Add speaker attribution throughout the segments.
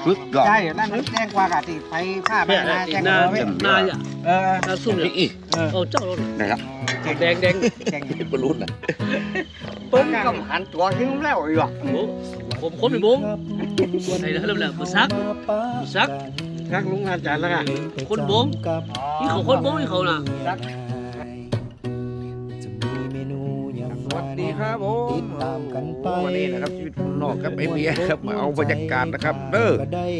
Speaker 1: ฝึกก่อน
Speaker 2: ใช่นั่นแจ้งกว่ากะติไปฆ่าไปนาแจ้งกว่าไว้
Speaker 3: นาอ่ะ นาซุ่มเนี่ย
Speaker 1: อีก
Speaker 3: เอาเจ้ารถ
Speaker 1: นะครับ
Speaker 3: แดงแดง
Speaker 2: แจ้ง
Speaker 1: บรรลุนะ
Speaker 2: เปิ้งกับหันตัวทิ้งแล้วอีกว่ะ
Speaker 3: ผมคนไปบุ้งใส่แล้วเริ่มแล้วมือซัก
Speaker 2: รักลุงอาจารย์แล้วกัน
Speaker 3: คนบุ้งนี่เขาคนบุ้งนี่เขาน่ะ
Speaker 1: สวัสดีครับผมวันนี้นะครับชีวิตคนนอกครับไอเบียร์ครับมาเอาบรรยากาศนะครับเด้อ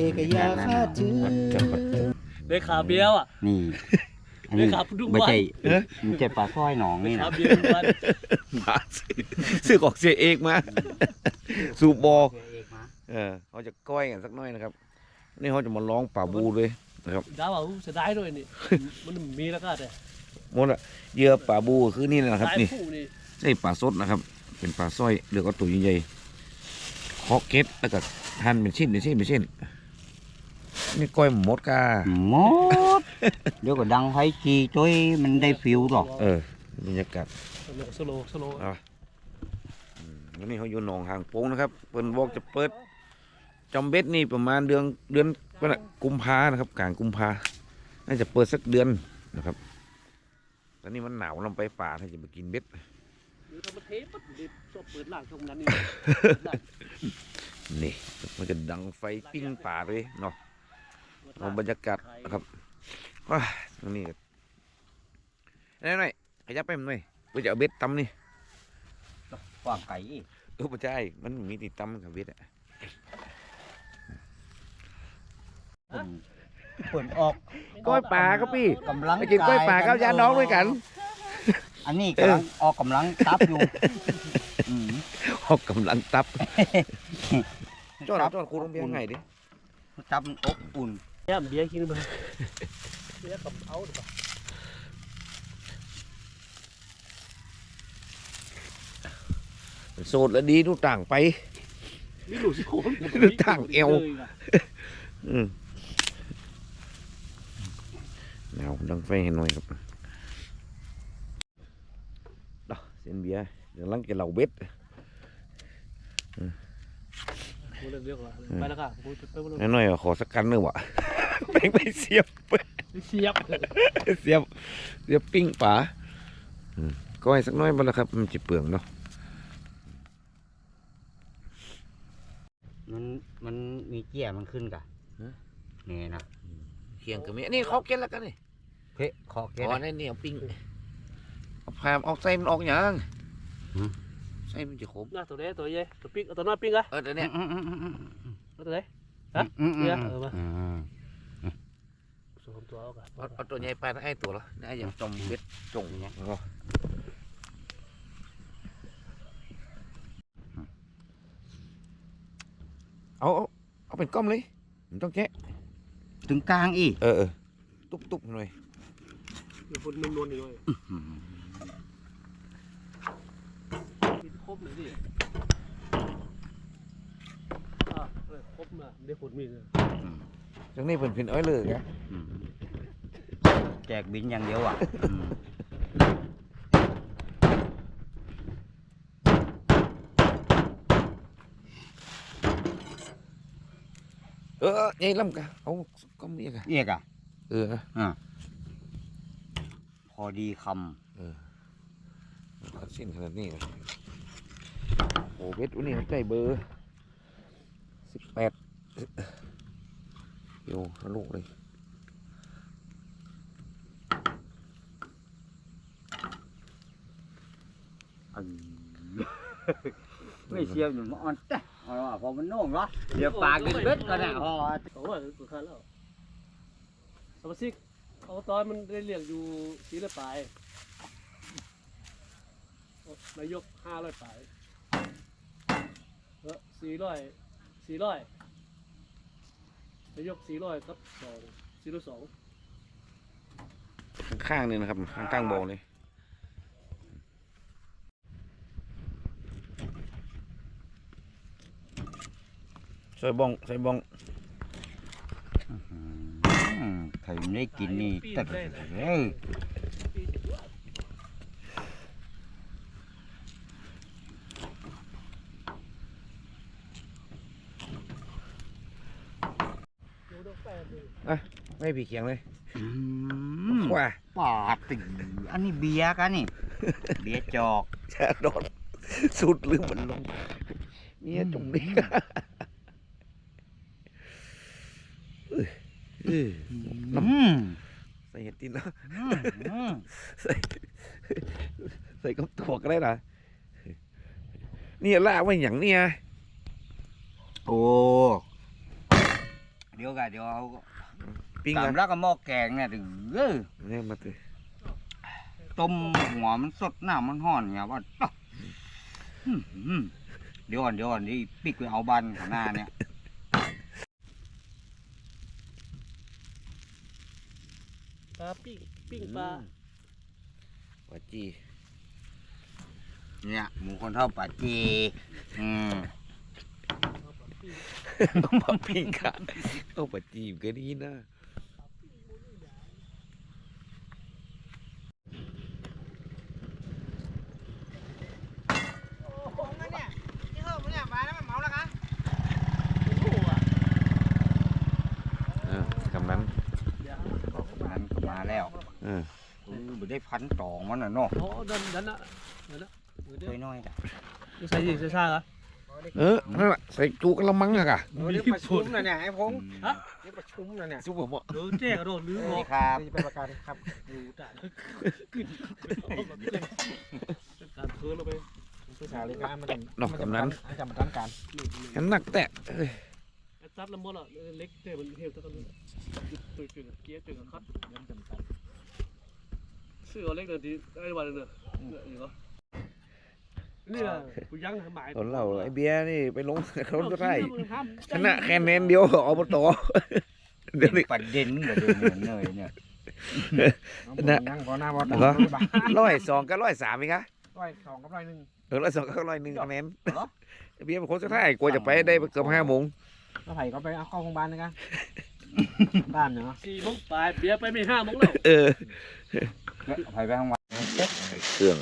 Speaker 3: ได้ขาเบี้ยวอ่ะ
Speaker 4: นี่อัน
Speaker 3: ได้
Speaker 4: นี้
Speaker 3: ขาดุ้ง
Speaker 4: ไม่
Speaker 3: บ้าน
Speaker 4: ใช่ไม่ใช่ปลาสร้อยหนองนี่
Speaker 3: ขา
Speaker 4: นะ
Speaker 3: เบี้ยวบ้าน
Speaker 1: มาซื้อของเสียเอกมาสูบบอเขาจะก้อยกันสักหน่อยนะครับนี่เขาจะมาร้องป่าบูเลยนะครับ
Speaker 3: ดาวเอาเสียดายด้วยนี่มันมีแล้วก็แต่
Speaker 1: หมดละเหยื่อป่าบูคือนี่นะครับ
Speaker 3: สาย
Speaker 1: นี่
Speaker 3: ผู้นี่
Speaker 1: นี่ปลาสดนะครับ เป็นปลาสร้อยเลือกเอาตัวใหญ่ๆเคาะเก็ดแล้วก็หั่นเป็นชิ้นนี่ก้อยหมดกา
Speaker 4: หมดเดี๋ยวก็ดังไฟจีจ้อยมันได้ฟิวหรอก
Speaker 1: บรรยากาศ
Speaker 3: สโล
Speaker 1: วันนี้เขาอยู่หนองหางโป่งนะครับเปิดบอกจะเปิดจอมเบ็ดนี่ประมาณเดือนกุมภานะครับกลางกุมภาน่าจะเปิดสักเดือนนะครับตอนนี้มันหนาวลงไปป่าถ้าจะไปกินเบ็ด
Speaker 3: หรือทำมาเทปปั๊บเดี๋ยวชอบเปิดล่างช่วงนั้นนี่
Speaker 1: นี่มันจะดังไฟปิ้งป่าเลยเนาะเอาบรรยากาศนะครับว้าตรงนี้หน่อยขยับไปหน่อยเพื่อจะเอาเบ็ดตำนี่
Speaker 4: กว้างไก่
Speaker 1: ไม่ใช่มันมีติดตำกับเบ็ดอะ
Speaker 4: เปิดออก
Speaker 1: ก้อยป่าครับพี่
Speaker 4: กำลัง
Speaker 1: ไปกินกล้วยป่ากับยาน้องด้วยกัน
Speaker 4: อันนี้กำลังออกกำลังตับอยู่
Speaker 1: ออกกำลังตับจอดครูต้องเบี้ยไงดิ
Speaker 4: ตับมันอบอุ่น
Speaker 3: เนี่ยเบี้ยกินมาเบี้ยกับเอาดีกว่า
Speaker 1: โสดแล้วดีทุกต่างไป
Speaker 3: นี่หลุดโคน
Speaker 1: ทางเอว หนาวดังไฟให้หน่อยครับดอกเส้นเบียร์เดี๋ยวลังจะเหล่าเบ็ด
Speaker 3: เรียกว่าไปแล้วค่ะไป
Speaker 1: หน่อยขอสักกันหนึ่งวะ แม่งไปเสียบ
Speaker 3: เสียบ
Speaker 1: เสียบปิ้งป่าก็ให้สักน้อยบ้างละครับมันจะเปลืองเนาะ
Speaker 4: มันมีเกี้ยมันขึ้นกะนี่นะ
Speaker 1: เคียงกับมีนี่เขาเก็ตแล้วกันนี่
Speaker 4: เพ่ขอเกี้ย
Speaker 1: อ๋อนี่นี่เอาปิ้งเอาพามเอาไส้มันออกอย่างไส้มันจะขม
Speaker 3: หน้าตัวเด้ตัวใหญ่ตัวปิ้งตัวน้อยปิ้งอะ
Speaker 1: เดี๋ยวนี้
Speaker 3: ตัวไหนฮะเนี่ยมาสวมตัวเอากัน
Speaker 1: เอาตัวใหญ่ไปนะไอ้ตัวละนี่ไอ้อย่างจมเบ็ดจงอย่างเอาเป็นก้อมเลยมันต้องแกะ
Speaker 4: ถึงกลางอีก
Speaker 1: ตุ๊บหน่อย
Speaker 3: เดี๋ยวคนมันนวลอยู่เลยครบเลยดิครบนะได้ผลมีเลย
Speaker 1: จังนี้เป็นอ้อยเลยแก
Speaker 4: แจกบินอย่างเดียวอ่ะ
Speaker 1: ใหญ่ลำกะเอาก้อมเรียกอะ
Speaker 4: เรียกอ่ะ พอดีค
Speaker 1: ขัดเส้นขนาดนี้โอ้เบ็ดวันนี้มันใจเบอร์18โยทะลุเลย
Speaker 4: ำไม่เชียวอยู่มันอ่อนแต่พอมันโน่งเหรอเดี๋ยวปากกินเบ็ดก็ได้พอ
Speaker 3: โอ้ยตัวคันแล้วสมาชิกเอาตอนมันได้เรียกอยู่400 ปลายนายก500 ปลาย400นายก400ครับ402
Speaker 1: ข้างๆนี่นะครับข้างๆบ่อเลยใส่บ้อง
Speaker 4: ใครไม่ได้กินนี่แต่
Speaker 1: ไม่ผีเขียงเลย
Speaker 4: อืม
Speaker 1: ว่า
Speaker 4: ปาดติอันนี้เบียร์กันนี่เบียร์จอก
Speaker 1: จะโดนสุดลืมมันลงเนี่ยจมดิน้
Speaker 4: อืม
Speaker 1: ำใส่เห็ดตินนะ
Speaker 4: อืม
Speaker 1: ใส่กับตัวก็ได้นะนี่ล่าไว้อย่างเนี้ย
Speaker 4: โอ้เดี๋ยวกันเดี๋ยวเอา
Speaker 1: ปิ้ง
Speaker 4: ตา
Speaker 1: กั
Speaker 4: ม
Speaker 1: น
Speaker 4: แล้วก็หม้อแกงเนี่ยถึง
Speaker 1: เนี่ยมาตื่น
Speaker 4: ต้มหัวมันสดน้ำมันห่อนเนี่ยว่าเดี๋ยวก่อนนี่ปิกไปเอาบันของหน้าเนี่ย
Speaker 3: ปลาปิ้งปลา
Speaker 1: ปลาจี
Speaker 4: เนี่ยหมูคนเท่าป่าจี
Speaker 1: มาปิ้งกันเอาปลาจีก็ดีนะ กำนั้น
Speaker 4: นั้นมาแล้ว ไม่ได้พันตองมันน่ะเนาะ
Speaker 3: อ๋อดันนะ
Speaker 4: ช่วยน้อยจ้ะ
Speaker 3: ใส่ดิซ่าเหรอ
Speaker 1: นั่นแหละใส่จูกระมังอะกะ
Speaker 2: เรียกประชุมนะเนี่ยไอ้พงษ์
Speaker 3: ฮะ
Speaker 2: เรียกประชุมนะเนี่ย
Speaker 1: ซุปผมอ่ะ
Speaker 3: โดนแจ้กระโดดลืม
Speaker 4: ส
Speaker 3: บ
Speaker 4: วั
Speaker 3: อ
Speaker 4: ส
Speaker 3: ก
Speaker 4: ดีครับ
Speaker 2: นี่เป็นประกันครับ
Speaker 3: ดูจ่าการเคิร์ลงไป
Speaker 2: ผู้สาวเลยครับมันจะ
Speaker 1: นอกกำนั้น
Speaker 2: มันจะมาตั้งการ
Speaker 1: ฉันหนักแตะ
Speaker 3: ซัดละมดอ่ะเล็กเท่มันเท่ตะกันตัวจุดเกี้ยจุดคัดซื้อเอาเล็กเดินทีได้วันนึงเนี่ยเหรอนี่แหละกูยังหมาย
Speaker 1: ตอนเราไอเบียร์นี่ไปลงเขาจะได้ชนะแค่แนนเดียวอบตเดี๋ยวนี้
Speaker 4: ประเด็นกับเดินเหนื่อยเนี่ย
Speaker 2: นั่งก่อนหน้าบอล
Speaker 1: 102กับ103มั้ยคะ
Speaker 2: 102กับ101
Speaker 1: 102กับ101คะแนนเบียร์เป็นคนสุดท้ายกลัวจะไปได้เกือบ5 โมง
Speaker 2: แล้วไผ่ก็ไปเอาเข้าโรงพยาบาลนะครับบ้านเนาะ
Speaker 3: 4 โมงปลายเบียร์ไปไม่5 โมงแล้ว
Speaker 4: ไปไปข้างวัน
Speaker 1: เครื่อง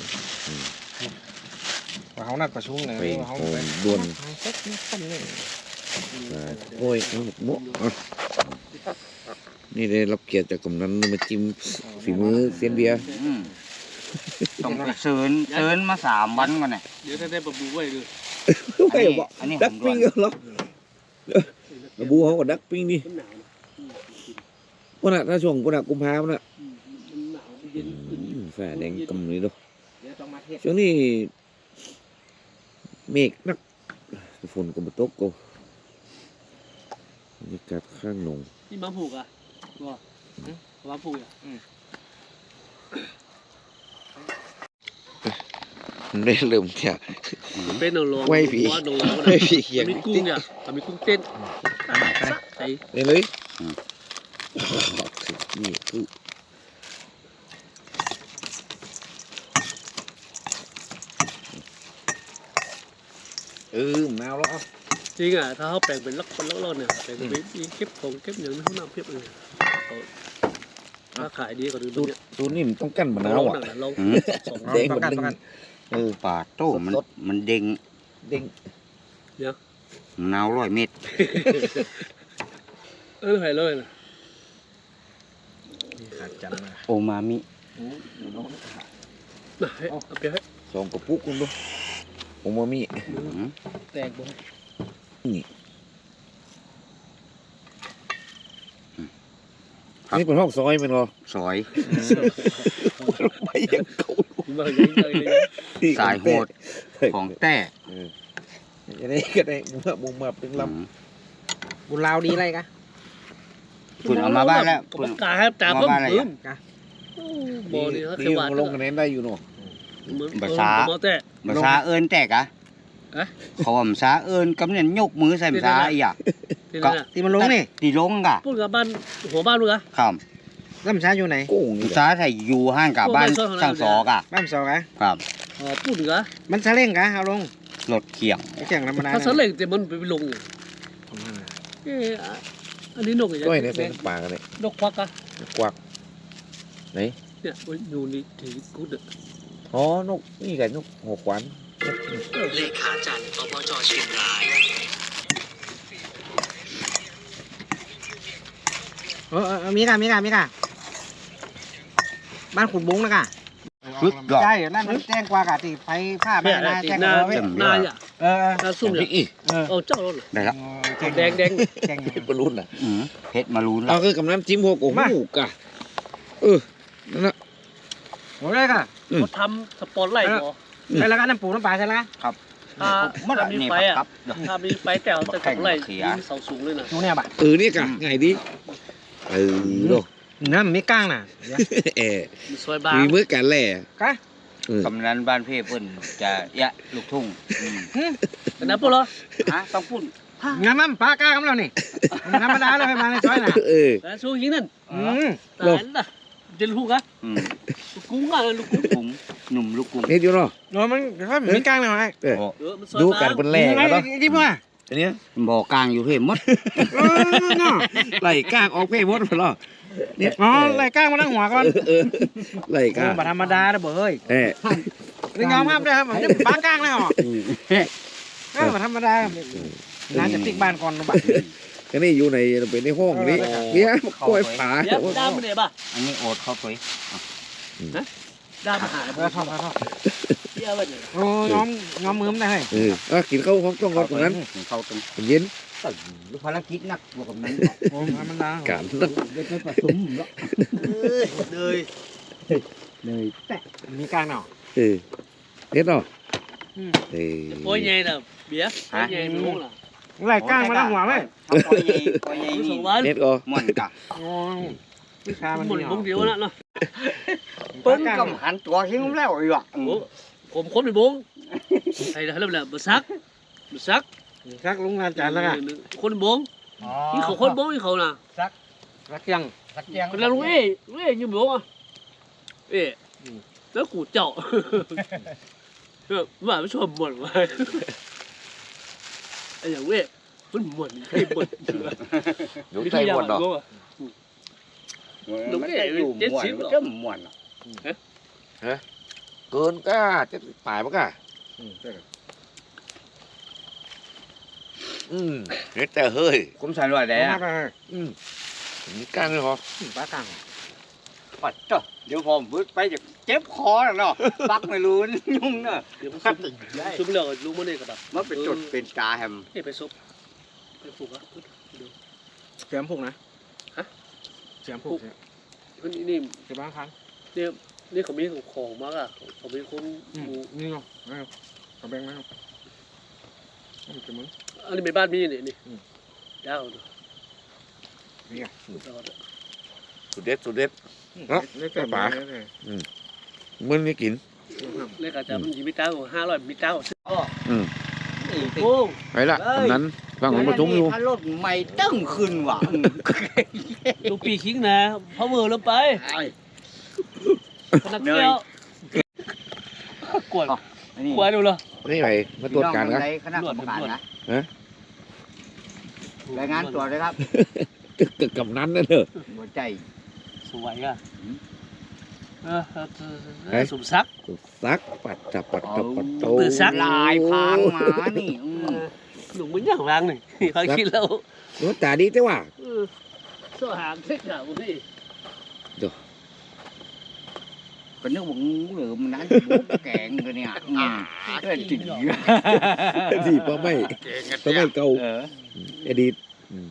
Speaker 2: เขานัดประชุมเลย
Speaker 1: ไป
Speaker 2: เขา
Speaker 1: โอ้ด่วน
Speaker 2: เซ็ตนี่คนเลย
Speaker 1: โอ้ยหมกนี่ได้รับเกียรติจากกำนันมาจิ้มฝีมือเซียนเบียร์
Speaker 4: ต้องไปเชิญมา3 วันก่อนเนี่ย
Speaker 3: เดี๋ยวได้บะบูไว้เลย
Speaker 1: ไม่บอก
Speaker 4: อันนี้
Speaker 1: ดักปิ้งเหรอระบูเขาก็ดักปิ้งนี่
Speaker 3: มันหนาว
Speaker 1: วันน่ะถ้าช่วงวันน่ะกุมภาพันธ์น่ะ
Speaker 3: มันหนาวเย็น
Speaker 1: แฝดแดงกำนี้ดู
Speaker 2: เดี๋ยวต้องมาเทศ
Speaker 1: ช่วงนี้เมฆนักฝนก็มาตกก็บรรยากาศข้างหนอง
Speaker 3: นี่มาผูกอ่ะก็มาผูกอ่ะ
Speaker 1: ได้เริ่มจาก
Speaker 3: เป็นหนองหลวง
Speaker 1: ไม่ผี
Speaker 3: ว่าหนองหลวง
Speaker 1: ไม่ผีเขียง
Speaker 3: มีกุ้งเนี่ยมีกุ้งเต้นใส่
Speaker 1: เลยนี่คือมะนาวแล้วอ่ะ
Speaker 3: จริงอ่ะถ้าเขาแปลงเป็นล็อกเนี่ยแปลงเป็นเก็บของเก็บอย่างนี้เขานำเพียบเลยถ้าขายดีก็ดู
Speaker 1: สูตรนี่มันต้องกั้นมะนาวอ่ะ
Speaker 3: ลอง
Speaker 1: แดงมันดึง
Speaker 4: ปาดโต้มันเด้ง
Speaker 1: เด้ง
Speaker 4: มะนาว100 เม็ด
Speaker 3: หายเลยนะ
Speaker 2: ขาดจันนะ
Speaker 4: โอมามิ
Speaker 3: เอาไปให้
Speaker 1: 2 กระปุกคุณดูโอมามิ
Speaker 3: แตกบ่
Speaker 1: นี่เป็นห้องซอยมันเหรอ
Speaker 4: ซอย
Speaker 1: ไม่ยังเก่า
Speaker 3: มาอย่างนี้เลย
Speaker 4: สายโหดของแต้
Speaker 1: จะได้ก็ได้มุมมาเป็นล
Speaker 2: บุญลาวดีอะไรกะ
Speaker 4: คุณเอามาบ้านแล้ว
Speaker 3: ผ
Speaker 4: คุณ
Speaker 3: มกาให้จ่าเพิ่มขึ้น
Speaker 1: ำ
Speaker 3: บ่อนี่เขา
Speaker 1: ดี
Speaker 3: เขียวหวาน
Speaker 1: ลงคะแนนได้อยู่เนาะ
Speaker 3: ภาษาแต่
Speaker 4: ภาษาเอิญแตกอะเขาว่าภาษาเอิญกำเนิดยกมือใส่ภาษาอีอ่ะ
Speaker 3: ที่นั่นน่ะ
Speaker 2: ที่มันลงนี่
Speaker 4: ตีลงกะ
Speaker 3: พูดกับบ้านหัวบ้านลูกอะ
Speaker 4: ครับ
Speaker 2: แล้วมันช้าอยู่ไหน
Speaker 1: โก้งนี่
Speaker 4: ภาษาไทยอยู่ห้างกับบ้านช่างสอกะ
Speaker 2: บ้านสองกะ
Speaker 4: ครับ
Speaker 3: อ๋อพูดกับ
Speaker 2: มันซาเล้งกะเอาลง
Speaker 4: รถเขียง
Speaker 2: ไอ้แข่งธรรมดา
Speaker 3: ถ้าสเล็กแต่มันไปลงอันนี้นกอย่าง
Speaker 1: ก้อยเนี่ยใส่น้ำปลากันเลย
Speaker 3: นกควักอะ
Speaker 1: กวักไหน
Speaker 3: เนี่ยอยู่นี่ถือกุดอะ
Speaker 1: อ๋อนกนี่กับนกหัวขวาน
Speaker 5: เลขาจันทร์อบจเชียงราย
Speaker 6: มีกะบ้านขุดบุ้งนะกะ
Speaker 2: สุดยอด
Speaker 6: ใช่นั่นแจ้งกว่ากะที่ไฟผ้าแม่
Speaker 3: เนี่ย
Speaker 6: นา
Speaker 3: ตี
Speaker 6: แจ้ง
Speaker 3: หน้า
Speaker 6: ไว้
Speaker 3: หน้าอ่ะ
Speaker 6: เออ
Speaker 3: หน้าซุ่มเนี่ย
Speaker 1: อีก
Speaker 3: เอาเจ้าแล้ว
Speaker 2: ได้ครับ
Speaker 3: แดง
Speaker 6: แจ้ง
Speaker 1: ปรุนอ่ะ
Speaker 2: เผ็ดมารุน
Speaker 1: เอา
Speaker 2: ละ
Speaker 1: คือกำน้ำจิ้มหกโอ้โหกะนั่นนะ
Speaker 6: โอ้ยกะ
Speaker 3: เขาทำสปอนไลท์บ่
Speaker 6: ใช่แล้วกันน้ำปูน้ำปลาใช่แล้วกัน
Speaker 3: ถ้ามีไฟอ่ะถ้ามีไฟแต่เอาแต่สปอนไลท์ยิงเสาสูงเลยนะ
Speaker 6: ดูเนี่ยบ่ะ
Speaker 1: นี่กะไงดีโด
Speaker 6: น้ำมีก้างน่ะ
Speaker 3: มีซอยบาง
Speaker 1: มีมือกันแหล่
Speaker 6: กะ
Speaker 4: กำนันบ้านเพ่เพิ่นจะยะลูกทุ่ง
Speaker 3: แต่นั้นพวกเรา
Speaker 4: ฮะต้องพูด
Speaker 6: งานมันปลาก้างกับเรานี่ธรรมดาเลยให้มาในซอยน่ะ
Speaker 3: แต่สู้ยิงนั่น
Speaker 6: ลง
Speaker 3: แต่น่ะจะลูกอ่ะลูกกุ้งอ่ะลูกกุ้ง
Speaker 4: กุ้งหนุ่มลูกกุ้ง
Speaker 1: นี่อยู่เนาะ
Speaker 6: โอ้มันมีก้างหน่อย
Speaker 3: มันซอย
Speaker 1: ดู
Speaker 3: บาง
Speaker 1: กันเป็นแหล่กันเนาะ
Speaker 6: ที่พ่อ
Speaker 1: อันนี้
Speaker 4: บ่อกลางอยู่เพ่หมด
Speaker 6: เนาะ
Speaker 1: ไหลก้างออกเพ่หมดไปหรอเนี่ย
Speaker 6: อ๋อไล่ก้างมาตั้งหัวก่อน
Speaker 1: ไหลก้าง
Speaker 6: ธรรมดาเด้อเบ้ย นี่ยอมครับได้ครับผมจะปลากลางแล้วก็ธรรมดาน่าจะติ๊กบ้านก่อนบ้าน
Speaker 1: อันนี้อยู่ในเป็นในห้องนี้เนี่ยกล้วยผา
Speaker 3: เดี๋ยวด้ามมันเนี่ยป่ะ
Speaker 4: อันนี้โอดเข้าไป
Speaker 3: ด้ามมาหา
Speaker 6: ชอบ
Speaker 3: เดี๋ยวมันเนี่ย
Speaker 6: โอ้ย้อมมือมันได้เฮ้ย
Speaker 1: กินข้าวห้องต้องก่อนตรงนั้น
Speaker 4: เข้าตรง
Speaker 1: เย็น
Speaker 4: ภารกิจนักบวกกับนั้น
Speaker 6: โอ้ธรรมดา
Speaker 1: การต้อง
Speaker 4: เด็กผสมเนาะ
Speaker 3: เลย
Speaker 4: เลยแต่
Speaker 6: มีกลางเนาะ
Speaker 1: เน็ตเนาะ
Speaker 3: โอ้ยใหญ่น่ะเบี้ยโอ้ยใหญ่ไม่รู้ล่ะ
Speaker 6: ไล่ก้างมาตั้งหัวไหม
Speaker 4: ปล่อยใหญ่ปล่อยใหญ่
Speaker 3: ส
Speaker 4: นี่
Speaker 3: องวัน
Speaker 1: เน็ตก็
Speaker 4: ม่วนกะ
Speaker 6: โอ้วิชามัน
Speaker 3: หมดวงเดียวนะเนาะ
Speaker 2: เปิ้นกำหันตัวทิ้งแล้วอีกอ่ะ
Speaker 3: โอ้ผมคนไปบงไอ้เรื่องแบบบัซัก
Speaker 6: ซักลุงอาจารย์แล้วกัน
Speaker 3: คนบงนี่เขาคนบงนี่เขาน่ะ
Speaker 6: รักยังรักยัง
Speaker 3: คนละลุงเอ้ยืมบงอ่ะแล้วกูเจ้าว่าไม่ชอบบ่นว่าไอ้อย่างมันบ่นให้บ่น
Speaker 1: อยู่ใจหมดเนาะ
Speaker 4: มันจะอยู่ม่วนมันจะม่วน
Speaker 1: เกินก้าจะตายปะก้าเน็ตแต่เฮ้ย
Speaker 4: คุ้มสันว่าได้
Speaker 6: ได้
Speaker 4: อะ
Speaker 1: มีก้างเลยเหรอ
Speaker 6: ปลากลาง
Speaker 4: ปัดจ้ะเดี๋ยวผมพูดไปจะเจ็บคอแล้วเนาะปักไม่รู้ยุ่งเนาะ
Speaker 3: เดี๋ยวมันซุปเรื่องลุงมันนี่ก็แบบ
Speaker 4: มันเป็นจุดเป็นตาแฮม
Speaker 3: ไปซุปไปปลูกอ่ะ
Speaker 6: เสียมผูกนะเสียมผูก
Speaker 3: นี่
Speaker 6: เสียบ้างครั้ง
Speaker 3: นี่เขามีของมากอ่ะเขามีคนหมู
Speaker 6: นี่เนาะเอาแบ่งมาเอาจะมึง
Speaker 3: อันนี้เป็นบ้านมีนี่ยาว
Speaker 6: นี่ไง
Speaker 1: สุดเด็ดสุดเด็ด
Speaker 6: เล็กแต่ปลา
Speaker 1: มึงไม่กิน
Speaker 3: เลขอาจารย์มันยี่มิตรของ500มิตรของโอ้
Speaker 1: ไปละตรงนั้นฟังของประชุมอยู่
Speaker 4: ถ้ารถใหม่ตึ้งขึ้นว่ะ
Speaker 3: ลูกปีคิงนะพอมือลงไปนักเที่ยวกวดกวดดูเลย
Speaker 1: นี่ไปมาตรวจการกัน
Speaker 4: คณะกรรมการนะรายงานตัวเลยครับ
Speaker 1: กับนั้นนั่นเถอะ
Speaker 4: หัวใจ
Speaker 3: สวยอ่ะสมศักดิ์
Speaker 1: ซักปัดจับปัดจับปัดโต
Speaker 4: ลายพางมานี่
Speaker 3: หนุ่มมันอย่างรังหนึ่งพอคิดแล้ว
Speaker 1: รถตาดีแต่ว่า
Speaker 3: สหางเซ็กอ่ะพี่
Speaker 4: ก็นึกว่างูเหลือมนั้นบุกแกงกันเนี่ยก็จริง
Speaker 1: ดีปะไม่ปะไม่เก่าอดีต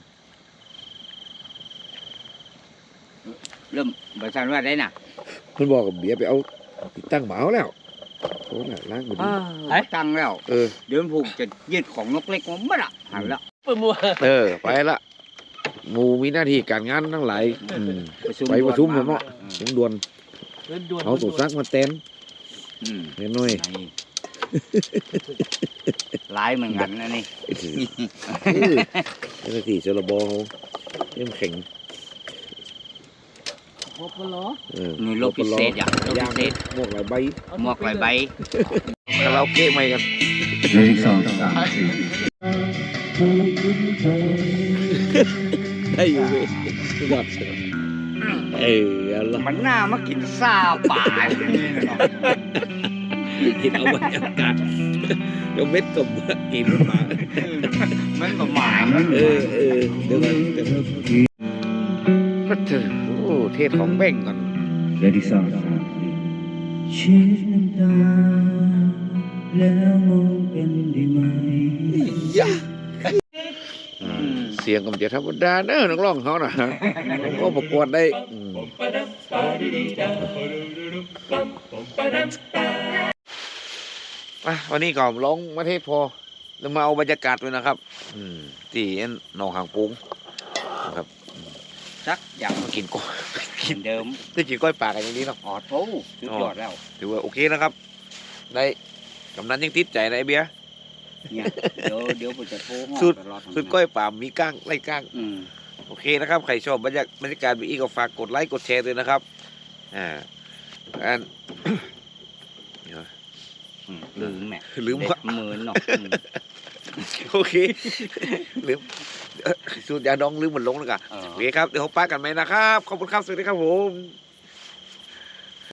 Speaker 4: เริ่มบริษัทว่าได้น่ะ
Speaker 1: มันบอกกับเบียร์ไปเอาติดตั้งหมาแล้วโอ้น่ะล้างมือดี
Speaker 4: ตั้งแล้ว เดี๋ยวผูกจะยืดของนกเล็กมันไม่ละหันละ
Speaker 3: เปิดมัว
Speaker 1: ไปละหมูมีหน้าที่การงานทั้งหลายไปประชุมเนาะเสียงด่วนเอาสุซักมาเต้นน้อย
Speaker 4: ลายเหมือนกันนะนี่
Speaker 1: เจ้าหน้าที่เชลบอเยี่ยมแข็ง
Speaker 3: พบกันเหรอ
Speaker 4: นี่โลพิเศษอ่ะโลพิเศษ
Speaker 1: หมวกหลายใบ
Speaker 4: หมวกหลายใบ
Speaker 1: คาราโอเกะใหม่กันได้อยู่เว้ยยอดอะไร
Speaker 4: มันน่ามากินซาป่านี่เนาะ
Speaker 1: กินเอาบรรยากาศเดี๋ยวเม็ดกับกินมา
Speaker 4: มันประมาณ
Speaker 1: เดี๋ยวกันก็เจอโอ้เทศของแบ่งก่อน
Speaker 7: Ready sound เช็ดน้ำตาแล้วมองเป็นได้ไหม
Speaker 1: เสียงก็มันจะธรรมดาเนอะนักร้องเขาน่ะผมก็ประกวดได้วันนี้ก็ร้องประเทศพอแล้วมาเอาบรรยากาศด้วยนะครับที่หนองหางปุ้งนะครับ
Speaker 4: chắc
Speaker 1: อยากมากินก้อย
Speaker 4: กินเดิม
Speaker 1: ได้กินก้อยปลากันอย่างนี้เนาะ
Speaker 4: ออดโอ้สุดยอดแล้ว
Speaker 1: ถือว่าโอเคนะครับ ได้กำนันยังติดใจนะไอ้เบียร์
Speaker 4: เนี่ยเดี๋ยวผมจะโทรห้อง
Speaker 1: สุด
Speaker 4: ตลอด
Speaker 1: สุดก้อยป่ามีก้างไล่ก้าง
Speaker 4: อืม
Speaker 1: โอเคนะครับใครชอบบรรยากาศแบบนี้ก็ฝากกดไลค์กดแชร์ด้วยนะครับอัน
Speaker 4: ลืมแม่
Speaker 1: ลืม
Speaker 4: เด็
Speaker 1: ว่า
Speaker 4: กหมื่นเนาะ
Speaker 1: โอเคลืมสูตรยาดองลืมมันลงแล้วกัน
Speaker 4: เออ
Speaker 1: โอเคครับเดี๋ยวผมป้ากันไหมนะครับขอบคุณครับสวัสดีครับผม